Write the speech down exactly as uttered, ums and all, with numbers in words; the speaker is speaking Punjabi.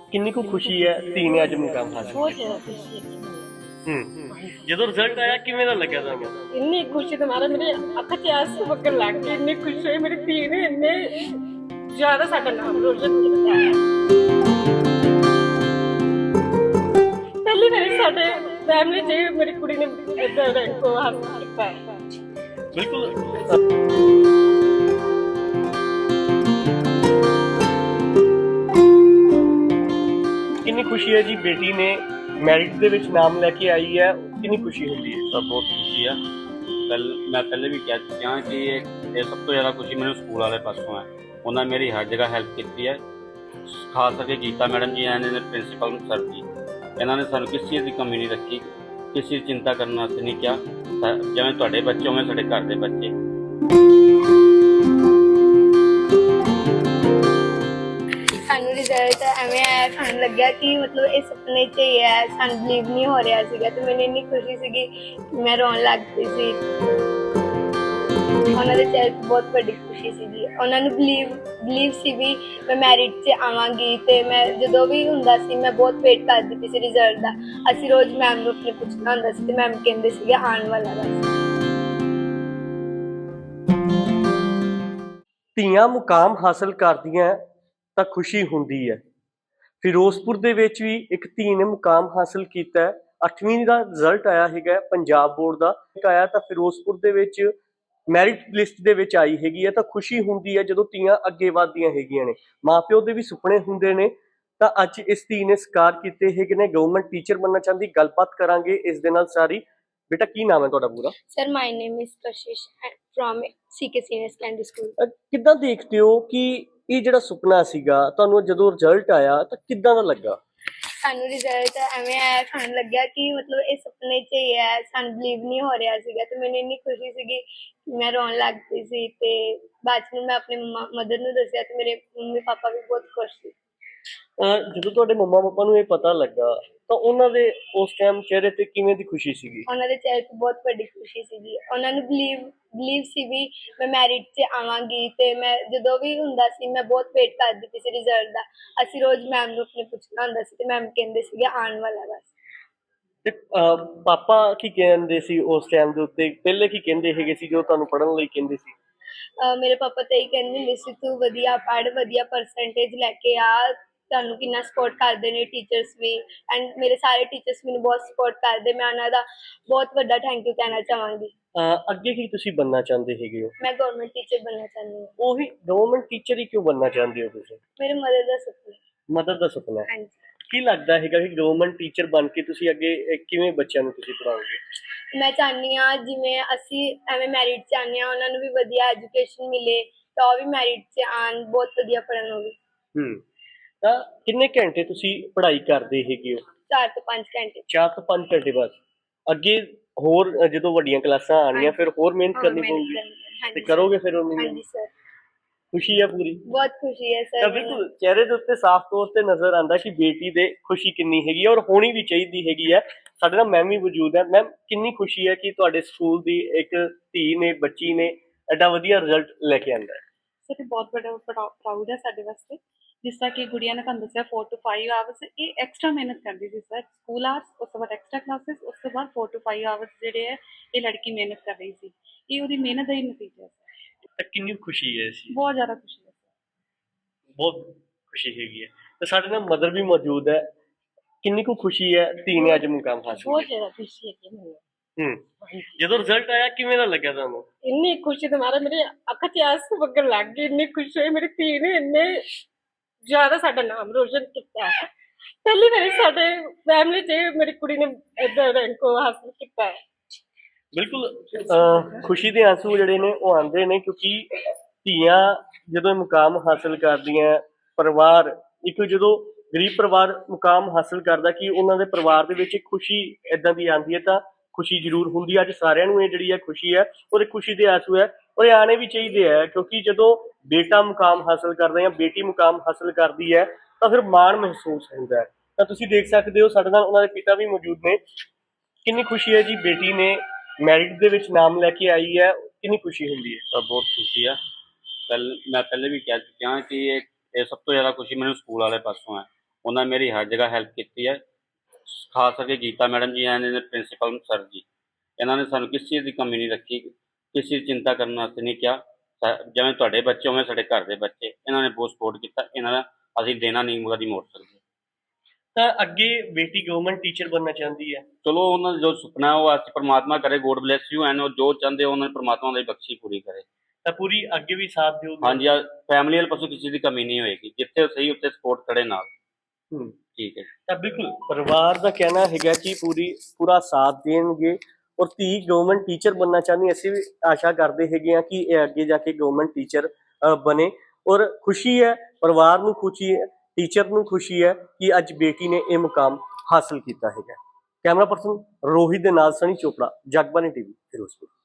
ਕਿੰਨੀ ਕੁ ਖੁਸ਼ੀ ਹੈ ਧੀ ਨੇ ਅੱਜ ਮੁਕਾਮ ਹਾਸਲ ਬਹੁਤ ਕੀਤਾ। ਜ਼ਿਆਦਾ ਖੁਸ਼ੀ ਹੈ। ਹੂੰ, ਜਦੋਂ ਰਿਜ਼ਲਟ ਆਇਆ ਕਿਵੇਂ ਦਾ ਲੱਗਿਆ ਤੁਹਾਨੂੰ? ਇੰਨੀ ਖੁਸ਼ੀ ਤੇ ਮਾਰਾ ਮੇਰੇ ਅੱਖਾਂ 'ਚ ਆਂਸੂ ਵਗਣ ਲੱਗ ਗਏ। ਇੰਨੀ ਖੁਸ਼ੀ ਹੋਈ ਮੇਰੀ ਧੀ ਨੇ ਇੰਨੇ ਜ਼ਿਆਦਾ ਸਾਡਾ ਨਾਮ ਰੋਸ਼ਨ ਕੀਤਾ ਹੈ। ਪਹਿਲੀ ਵਾਰੀ ਸਾਡੇ ਫੈਮਿਲੀ 'ਚ ਮੇਰੀ ਕੁੜੀ ਨੇ ਇਦਾਂ ਰੈਂਕ ਹਾਸਲ ਕੀਤਾ ਹੈ। ਬਿਲਕੁਲ। ਕਿੰਨੀ ਖੁਸ਼ੀ ਹੈ ਜੀ ਬੇਟੀ ਨੇ ਮੈਰਿਟ ਦੇ ਵਿੱਚ ਨਾਮ ਲੈ ਕੇ ਆਈ ਹੈ, ਕਿੰਨੀ ਖੁਸ਼ੀ ਹੁੰਦੀ ਹੈ? ਤਾਂ ਬਹੁਤ ਖੁਸ਼ੀ ਆ। ਪਹਿਲ ਮੈਂ ਪਹਿਲੇ ਵੀ ਕਹਿ ਚੁੱਕਿਆ ਕਿ ਇਹ ਇਹ ਸਭ ਤੋਂ ਜ਼ਿਆਦਾ ਖੁਸ਼ੀ ਮੈਨੂੰ ਸਕੂਲ ਵਾਲੇ ਪਾਸੋਂ ਹੈ। ਉਹਨਾਂ ਨੇ ਮੇਰੀ ਹਰ ਜਗ੍ਹਾ ਹੈਲਪ ਕੀਤੀ ਹੈ। ਖਾਸ ਕਰਕੇ ਗੀਤਾ ਮੈਡਮ ਜੀ ਐਨ ਨੇ ਪ੍ਰਿੰਸੀਪਲ ਸਰ ਜੀ, ਇਹਨਾਂ ਨੇ ਸਾਨੂੰ ਕਿਸ ਚੀਜ਼ ਦੀ ਕਮੀ ਨਹੀਂ ਰੱਖੀ, ਕਿਸੇ ਦੀ ਚਿੰਤਾ ਕਰਨ ਵਾਸਤੇ ਨਹੀਂ ਕਿਹਾ। ਜਿਵੇਂ ਤੁਹਾਡੇ ਬੱਚੇ ਉਵੇਂ ਸਾਡੇ ਘਰ ਦੇ ਬੱਚੇ। ਸਾਨੂੰ ਰਿਜ਼ਲਟ ਐਵੇਂ ਆਇਆ, ਸਾਨੂੰ ਲੱਗਿਆ ਕਿ ਮਤਲਬ ਇਹ ਸੁਪਨੇ 'ਚ ਹੀ ਹੈ। ਸਾਨੂੰ ਬਲੀਵ ਨਹੀਂ ਹੋ ਰਿਹਾ ਸੀਗਾ ਤੇ ਮੈਨੂੰ ਇੰਨੀ ਖੁਸ਼ੀ ਸੀਗੀ ਕਿ ਮੈਂ ਰੋਣ ਲੱਗ ਪਈ ਸੀ। ਉਹਨਾਂ ਦੇ ਚਿਹਰੇ 'ਤੇ ਬਹੁਤ ਵੱਡੀ ਖੁਸ਼ੀ ਸੀਗੀ। ਉਹਨਾਂ ਨੂੰ ਬਲੀਵ ਬਲੀਵ ਸੀ ਵੀ ਮੈਂ ਮੈਰਿਟ 'ਚ ਆਵਾਂਗੀ ਤੇ ਮੈਂ ਜਦੋਂ ਵੀ ਹੁੰਦਾ ਸੀ ਮੈਂ ਬਹੁਤ ਵੇਟ ਕਰਦੀ ਪਈ ਸੀ ਰਿਜ਼ਲਟ ਦਾ। ਅਸੀਂ ਰੋਜ਼ ਮੈਮ ਨੂੰ ਆਪਣੇ ਪੁੱਛਣਾ ਹੁੰਦਾ ਸੀ ਤੇ ਮੈਮ ਕਹਿੰਦੇ ਸੀਗੇ ਆਉਣ ਵਾਲਾ ਬਸ। ਧੀਆਂ ਮੁਕਾਮ ਹਾਸਲ ਕਰਦੀਆਂ ਤਾਂ ਖੁਸ਼ੀ ਹੁੰਦੀ ਹੈ। ਫਿਰੋਜ਼ਪੁਰ ਦੇ ਵਿੱਚ ਵੀ ਇੱਕ ਧੀ ਨੇ ਮੁਕਾਮ ਹਾਸਲ ਕੀਤਾ ਹੈ। ਅੱਠਵੀਂ ਦਾ ਰਿਜ਼ਲਟ ਆਇਆ ਹੈਗਾ ਪੰਜਾਬ ਬੋਰਡ ਦਾ, ਆਇਆ ਤਾਂ ਫਿਰੋਜ਼ਪੁਰ ਦੇ ਵਿੱਚ ਮੈਰਿਟ ਲਿਸਟ ਦੇ ਵਿੱਚ ਆਈ ਹੈਗੀ ਹੈ। ਤਾਂ ਖੁਸ਼ੀ ਹੁੰਦੀ ਹੈ ਜਦੋਂ ਧੀਆਂ ਅੱਗੇ ਵਧਦੀਆਂ ਹੈਗੀਆਂ ਨੇ। ਮਾਪਿਓ ਦੇ ਵੀ ਸੁਪਨੇ ਹੁੰਦੇ ਨੇ, ਤਾਂ ਅੱਜ ਇਸ ਧੀ ਨੇ ਸਕਾਰ ਕੀਤੇ ਹੈਗੇ ਨੇ। ਗਵਰਨਮੈਂਟ ਟੀਚਰ ਬਣਨਾ ਚਾਹੁੰਦੀ, ਗੱਲਬਾਤ ਕਰਾਂਗੇ ਇਸ ਦੇ ਨਾਲ ਸਾਰੀ। ਬੇਟਾ ਕੀ ਨਾਮ ਹੈ ਤੁਹਾਡਾ ਪੂਰਾ? Sir my name is Kashish from CK senior secondary school. ਅਹ ਕਿੱਦਾਂ ਦੇਖਦੇ ਹੋ ਕਿ ਇਹ ਜਿਹੜਾ ਸੁਪਨਾ ਸੀਗਾ ਤੁਹਾਨੂੰ ਜਦੋਂ ਰਿਜ਼ਲਟ ਆਇਆ ਤਾਂ ਕਿੱਦਾਂ ਦਾ ਲੱਗਾ? ਸਾਨੂੰ ਰਿਜ਼ਲਟ ਐਵੇਂ ਆਇਆ, ਸਾਨੂੰ ਲੱਗਿਆ ਕਿ ਮਤਲਬ ਇਹ ਸੁਪਨੇ 'ਚ ਹੀ ਹੈ। ਸਾਨੂੰ ਬਲੀਵ ਨਹੀਂ ਹੋ ਰਿਹਾ ਸੀਗਾ ਤੇ ਮੈਨੂੰ ਇੰਨੀ ਖੁਸ਼ੀ ਸੀਗੀ ਕਿ ਮੈਂ ਰੋਣ ਲੱਗ ਪਈ ਸੀ। ਤੇ ਬਾਅਦ 'ਚ ਮੈਂ ਆਪਣੇ ਮੰਮਾ ਮਦਰ ਨੂੰ ਦੱਸਿਆ ਤੇ ਮੇਰੇ ਮੰਮੀ ਪਾਪਾ ਵੀ ਬਹੁਤ ਖੁਸ਼ ਸੀ। ਅਹ ਜਦੋਂ ਤੁਹਾਡੇ ਮੰਮਾ ਪਾਪਾ ਨੂੰ ਇਹ ਪਤਾ ਲੱਗਾ ਤਾਂ ਉਹਨਾਂ ਦੇ ਉਸ ਟਾਈਮ ਚਿਹਰੇ ਤੇ ਕਿਵੇਂ ਦੀ ਖੁਸ਼ੀ ਸੀਗੀ? ਉਹਨਾਂ ਦੇ ਚਿਹਰੇ 'ਤੇ ਬਹੁਤ ਵੱਡੀ ਖੁਸ਼ੀ ਸੀਗੀ। ਉਹਨਾਂ ਨੂੰ ਬਲੀਵ ਬਲੀਵ ਸੀ ਵੀ ਮੈਂ ਮੈਰਿਟ 'ਚ ਆਵਾਂਗੀ ਤੇ ਮੈਂ ਜਦੋਂ ਵੀ ਹੁੰਦਾ ਸੀ ਮੈਂ ਬਹੁਤ ਵੇਟ ਕਰਦੀ ਪਈ ਸੀ ਰਿਜ਼ਲਟ ਦਾ। ਅਸੀਂ ਰੋਜ਼ ਮੈਮ ਨੂੰ ਆਪਣੇ ਪੁੱਛਣਾ ਹੁੰਦਾ ਸੀ ਤੇ ਮੈਮ ਕਹਿੰਦੇ ਸੀਗੇ ਆਉਣ ਵਾਲਾ ਬਸ। ਤੇ ਅਹ ਪਾਪਾ ਕੀ ਕਹਿੰਦੇ ਸੀ ਉਸ ਟਾਈਮ ਦੇ ਉੱਤੇ? ਪਹਿਲੇ ਕੀ ਕਹਿੰਦੇ ਹੈਗੇ ਸੀ ਜੋ ਤੁਹਾਨੂੰ ਪੜ੍ਹਨ ਲਈ ਕਹਿੰਦੇ ਸੀ? ਅਹ ਮੇਰੇ ਪਾਪਾ ਤਾਂ ਇਹੀ ਕਹਿੰਦੇ ਹੁੰਦੇ ਸੀ ਤੂੰ ਵਧੀਆ ਪੜ੍ਹ, ਵਧੀਆ ਪਰਸੈਂਟੇਜ ਲੈ ਕੇ ਆ। ਤੁਹਾਨੂੰ ਕਿੰਨਾ ਸਪੋਰਟ ਕਰਦੇ ਨੇ ਟੀਚਰਸ ਵੀ, ਐਂਡ ਮੇਰੇ ਸਾਰੇ ਟੀਚਰਸ ਮੈਨੂੰ ਬਹੁਤ ਸਪੋਰਟ ਕਰਦੇ। ਮੈਂ ਉਹਨਾਂ ਦਾ ਬਹੁਤ ਵੱਡਾ ਥੈਂਕ ਯੂ ਕਹਿਣਾ ਚਾਹਾਂਗੀ। ਅਹ ਅੱਗੇ ਕੀ ਤੁਸੀਂ ਬਣਨਾ ਚਾਹੁੰਦੇ ਹੈਗੇ ਹੋ? ਮੈਂ ਗਵਰਨਮੈਂਟ ਟੀਚਰ ਬਣਨਾ ਚਾਹੁੰਦੀ ਹਾਂ। ਉਹੀ ਗਵਰਨਮੈਂਟ ਟੀਚਰ ਹੀ ਕਿਉਂ ਬਣਨਾ ਚਾਹੁੰਦੇ ਹੋ ਤੁਸੀਂ? ਮੇਰੇ ਮਦਰ ਦਾ ਸੁਪਨਾ ਹੈ। ਮਦਰ ਦਾ ਸੁਪਨਾ ਹੈ। ਹਾਂਜੀ। ਕੀ ਲੱਗਦਾ ਹੈਗਾ ਕਿ ਗਵਰਨਮੈਂਟ ਟੀਚਰ ਬਣ ਕੇ ਤੁਸੀਂ ਅੱਗੇ ਅਹ ਕਿਵੇਂ ਬੱਚਿਆਂ ਨੂੰ ਤੁਸੀਂ ਪੜ੍ਹਾਓਗੇ? ਮੈਂ ਚਾਹੁੰਦੀ ਹਾਂ ਜਿਵੇਂ ਅਸੀਂ ਐਵੇਂ ਮੈਰਿਟ 'ਚ ਆਉਂਦੇ ਹਾਂ, ਉਹਨਾਂ ਨੂੰ ਵੀ ਵਧੀਆ ਐਜੂਕੇਸ਼ਨ ਮਿਲੇ ਤਾਂ ਉਹ ਵੀ ਮੈਰਿਟ 'ਚ ਆਉਣ, ਬਹੁਤ ਵਧੀਆ ਪੜ੍ਹਨ ਉਹ ਵੀ। ਹੂੰ, ਤਾਂ ਕਿੰਨੇ ਘੰਟੇ ਤੁਸੀਂ ਪੜ੍ਹਾਈ ਕਰਦੇ ਹੈਗੇ ਹੋ? ਚਾਰ ਤੋਂ ਪੰਜ ਘੰਟੇ। ਚਾਰ ਤੋਂ ਪੰਜ ਘੰਟੇ ਬਸ? ਅੱਗੇ ਹੋਰ ਅਹ ਜਦੋਂ ਵੱਡੀਆਂ ਕਲਾਸਾਂ ਆਉਣੀਆਂ ਫਿਰ ਹੋਰ ਮਿਹਨਤ ਹਾਂ, ਕਰਨੀ ਮਿਹਨਤ ਪਊਗੀ ਕਰਨੀ ਹੈ। ਤੇ ਹਾਂਜੀ ਕਰੋਗੇ ਫਿਰ ਉਹਨੂੰ? ਹਾਂਜੀ ਸਰ, ਖੁਸ਼ੀ ਹੈ ਪੂਰੀ? ਬਹੁਤ ਖੁਸ਼ੀ ਹੈ ਤਾਂ ਸਰ। ਬਿਲਕੁਲ ਚਿਹਰੇ ਦੇ ਉੱਤੇ ਸਾਫ਼ ਤੌਰ ਤੇ ਨਜ਼ਰ ਆਉਂਦਾ ਕਿ ਬੇਟੀ ਦੇ ਖੁਸ਼ੀ ਕਿੰਨੀ ਹੈਗੀ ਹੈ ਔਰ ਹੋਣੀ ਵੀ ਚਾਹੀਦੀ ਹੈਗੀ ਹੈ। ਸਾਡੇ ਨਾਲ ਮੈਮ ਵੀ ਮੌਜੂਦ ਹੈ। ਮੈਮ ਕਿੰਨੀ ਖੁਸ਼ੀ ਹੈ ਕਿ ਤੁਹਾਡੇ ਸਕੂਲ ਦੀ ਇੱਕ ਧੀ ਨੇ, ਬੱਚੀ ਨੇ ਐਡਾ ਵਧੀਆ ਰਿਜ਼ਲਟ ਲੈ ਕੇ ਆਂਦਾ ਹੈ? ਸਰ ਬਹੁਤ ਵੱਡਾ ਪ੍ਰਾਊਡ ਹੈ ਸਾਡੇ ਵਾਸਤੇ। ਜਿਸ ਤਰ੍ਹਾਂ ਕਿ ਗੁੜੀਆ ਨੇ ਤੁਹਾਨੂੰ ਦੱਸਿਆ ਫੋਰ ਟੂ ਫਾਈਵ ਆਵਰਸ ਇਹ ਐਕਸਟਰਾ ਮਿਹਨਤ ਕਰਦੀ ਸੀ ਸਰ। ਸਕੂਲ ਆਵਰਸ, ਉਸ ਤੋਂ ਬਾਅਦ ਐਕਸਟਰਾ ਕਲਾਸਿਸ, ਉਸ ਤੋਂ ਬਾਅਦ ਫੋਰ ਟੂ ਫਾਈਵ ਆਵਰਸ ਜਿਹੜੇ ਹੈ ਇਹ ਲੜਕੀ ਮਿਹਨਤ ਕਰ ਰਹੀ ਸੀ। ਇਹ ਉਹਦੀ ਮਿਹਨਤ ਦਾ ਹੀ ਨਤੀਜਾ ਹੈ ਸਰ। ਤਾਂ ਕਿੰਨੀ ਖੁਸ਼ੀ ਹੈ ਇਸ ਚੀਜ਼? ਬਹੁਤ ਜ਼ਿਆਦਾ ਖੁਸ਼ੀ ਹੈ ਸਰ। ਬਹੁਤ ਖੁਸ਼ੀ ਹੈਗੀ ਹੈ। ਤੇ ਸਾਡੇ ਨਾਲ ਮਦਰ ਵੀ ਮੌਜੂਦ ਹੈ। ਕਿੰਨੀ ਕੁ ਖੁਸ਼ੀ ਹੈ ਧੀ ਨੇ ਅੱਜ ਮੁਕਾਮ ਹਾਸਲ ਬਹੁਤ ਕੀਤਾ? ਜ਼ਿਆਦਾ ਖੁਸ਼ੀ ਹੈ ਮੈਨੂੰ। ਹੂੰ, ਜਦੋਂ ਰਿਜ਼ਲਟ ਆਇਆ ਕਿਵੇਂ ਦਾ ਲੱਗਿਆ ਤੁਹਾਨੂੰ? ਇੰਨੀ ਖੁਸ਼ੀ ਤੇ ਮਾਰਾ ਮੇਰੇ ਅੱਖਾਂ 'ਚ ਆਂਸੂ ਵਗਣ ਲੱਗ ਗਏ। ਇੰਨੀ ਖੁਸ਼ੀ ਹੋਈ ਮੇਰੀ ਧੀ ਨੇ ਇੰਨੇ ਜ਼ਿਆਦਾ ਸਾਡਾ ਨਾਮ ਰੋਸ਼ਨ ਕੀਤਾ ਹੈ। ਪਹਿਲੀ ਵਾਰੀ ਸਾਡੇ ਫੈਮਿਲੀ 'ਚ ਮੇਰੀ ਕੁੜੀ ਨੇ ਏਦਾਂ ਰੈਂਕ ਹਾਸਲ ਕੀਤਾ ਹੈ। ਬਿਲਕੁਲ ਅਹ ਖੁਸ਼ੀ ਦੇ ਆਂਸੂ ਜਿਹੜੇ ਨੇ ਉਹ ਆਉਂਦੇ ਨੇ ਕਿਉਂਕਿ ਧੀਆਂ ਜਦੋਂ ਇਹ ਮੁਕਾਮ ਹਾਸਲ ਕਰਦੀਆਂ, ਪਰਿਵਾਰ ਇੱਕ ਜਦੋਂ ਗਰੀਬ ਪਰਿਵਾਰ ਮੁਕਾਮ ਹਾਸਲ ਕਰਦਾ ਕਿ ਉਹਨਾਂ ਦੇ ਪਰਿਵਾਰ ਦੇ ਵਿੱਚ ਇੱਕ ਖੁਸ਼ੀ ਏਦਾਂ ਦੀ ਆਉਂਦੀ ਹੈ ਤਾਂ ਖੁਸ਼ੀ ਜ਼ਰੂਰ ਹੁੰਦੀ ਹੈ। ਅੱਜ ਸਾਰਿਆਂ ਨੂੰ ਇਹ ਜਿਹੜੀ ਹੈ ਖੁਸ਼ੀ ਹੈ ਔਰ ਇਹ ਖੁਸ਼ੀ ਦੇ ਆਂਸੂ ਹੈ ਔਰ ਇਹ ਆਉਣੇ ਵੀ ਚਾਹੀਦੇ ਹੈ ਕਿਉਂਕਿ ਜਦੋਂ ਬੇਟਾ ਮੁਕਾਮ ਹਾਸਲ ਕਰਦਾ ਜਾਂ ਬੇਟੀ ਮੁਕਾਮ ਹਾਸਲ ਕਰਦੀ ਹੈ ਤਾਂ ਫਿਰ ਮਾਣ ਮਹਿਸੂਸ ਹੁੰਦਾ ਹੈ। ਤਾਂ ਤੁਸੀਂ ਦੇਖ ਸਕਦੇ ਹੋ ਸਾਡੇ ਨਾਲ ਉਹਨਾਂ ਦੇ ਪਿਤਾ ਵੀ ਮੌਜੂਦ ਨੇ। ਕਿੰਨੀ ਖੁਸ਼ੀ ਹੈ ਜੀ ਬੇਟੀ ਨੇ ਮੈਰਿਟ ਦੇ ਵਿੱਚ ਨਾਮ ਲੈ ਕੇ ਆਈ ਹੈ, ਕਿੰਨੀ ਖੁਸ਼ੀ ਹੁੰਦੀ ਹੈ? ਤਾਂ ਬਹੁਤ ਖੁਸ਼ੀ ਆ। ਪਹਿਲ ਮੈਂ ਪਹਿਲੇ ਵੀ ਕਹਿ ਚੁੱਕਿਆ ਕਿ ਇਹ ਇਹ ਸਭ ਤੋਂ ਜ਼ਿਆਦਾ ਖੁਸ਼ੀ ਮੈਨੂੰ ਸਕੂਲ ਵਾਲੇ ਪਾਸੋਂ ਹੈ। ਉਹਨਾਂ ਮੇਰੀ ਹਰ ਜਗ੍ਹਾ ਹੈਲਪ ਕੀਤੀ ਹੈ। ਖਾਸ ਕਰਕੇ ਗੀਤਾ ਮੈਡਮ ਜੀ ਐਂਡ ਇਹਦੇ ਪ੍ਰਿੰਸੀਪਲ ਸਰ ਜੀ, ਇਹਨਾਂ ਨੇ ਸਾਨੂੰ ਕਿਸੇ ਚੀਜ਼ ਦੀ ਕਮੀ ਨਹੀਂ ਰੱਖੀ, ਕਿਸੇ ਦੀ ਚਿੰਤਾ ਕਰਨ ਵਾਸਤੇ ਨਹੀਂ ਕਿਹਾ। ਸਾ- ਜਿਵੇਂ ਤੁਹਾਡੇ ਬੱਚੇ ਉਵੇਂ ਸਾਡੇ ਘਰ ਦੇ ਬੱਚੇ, ਇਹਨਾਂ ਨੇ ਬਹੁਤ ਸਪੋਰਟ ਕੀਤਾ। ਇਹਨਾਂ ਦਾ ਅਸੀਂ ਦੇਣਾ ਨਹੀਂ ਕਦੀ ਮੋੜ ਸਕਦੇ। ਤਾਂ ਅੱਗੇ ਬੇਟੀ ਗਵਰਨਮੈਂਟ ਟੀਚਰ ਬਣਨਾ ਚਾਹੁੰਦੀ ਹੈ। ਚਲੋ ਉਹਨਾਂ ਦਾ ਜੋ ਸੁਪਨਾ ਉਹ ਅਸੀਂ ਪਰਮਾਤਮਾ ਕਰੇ, ਗੋਡ ਬਲੈਸ ਯੂ, ਐਂਡ ਉਹ ਜੋ ਚਾਹੁੰਦੇ ਉਹਨਾਂ ਨੇ ਪਰਮਾਤਮਾ ਦੀ ਬਖਸ਼ੀ ਪੂਰੀ ਕਰੇ। ਤਾਂ ਪੂਰੀ ਅੱਗੇ ਵੀ ਸਾਥ ਦਿਓ। ਹਾਂਜੀ, ਫੈਮਿਲੀ ਵਾਲੇ ਪਾਸੋਂ ਕਿਸੇ ਦੀ ਕਮੀ ਨਹੀਂ ਹੋਏਗੀ, ਜਿੱਥੇ ਸਹੀ ਉੱਥੇ ਸਪੋਰਟ ਕਰੇ ਨਾਲ। ਹੂੰ। ਠੀਕ ਹੈ। ਤਾਂ ਬਿਲਕੁਲ ਪਰਿਵਾਰ ਦਾ ਕਹਿਣਾ ਹੈਗਾ ਕਿ ਪੂਰੀ ਪੂਰਾ ਸਾਥ ਦੇਣਗੇ ਔਰ ਧੀ ਗਵਰਨਮੈਂਟ ਟੀਚਰ ਬਣਨਾ ਚਾਹੁੰਦੀ। ਅਸੀਂ ਵੀ ਆਸ਼ਾ ਕਰਦੇ ਹੈਗੇ ਆ ਕਿ ਇਹ ਅੱਗੇ ਜਾ ਕੇ ਗਵਰਨਮੈਂਟ ਟੀਚਰ ਬਣੇ ਔਰ ਖੁਸ਼ੀ ਹੈ, ਪਰਿਵਾਰ ਨੂੰ ਖੁਸ਼ੀ ਹੈ, ਟੀਚਰ ਨੂੰ ਖੁਸ਼ੀ ਹੈ ਕਿ ਅੱਜ ਬੇਟੀ ਨੇ ਇਹ ਮੁਕਾਮ ਹਾਸਲ ਕੀਤਾ ਹੈਗਾ। ਕੈਮਰਾ ਪਰਸਨ ਰੋਹਿਤ ਦੇ ਨਾਲ ਸਣੀ ਚੋਪੜਾ, ਜਗਬਾਨੀ ਟੀਵੀ, ਫਿਰੋਜ਼ਪੁਰ।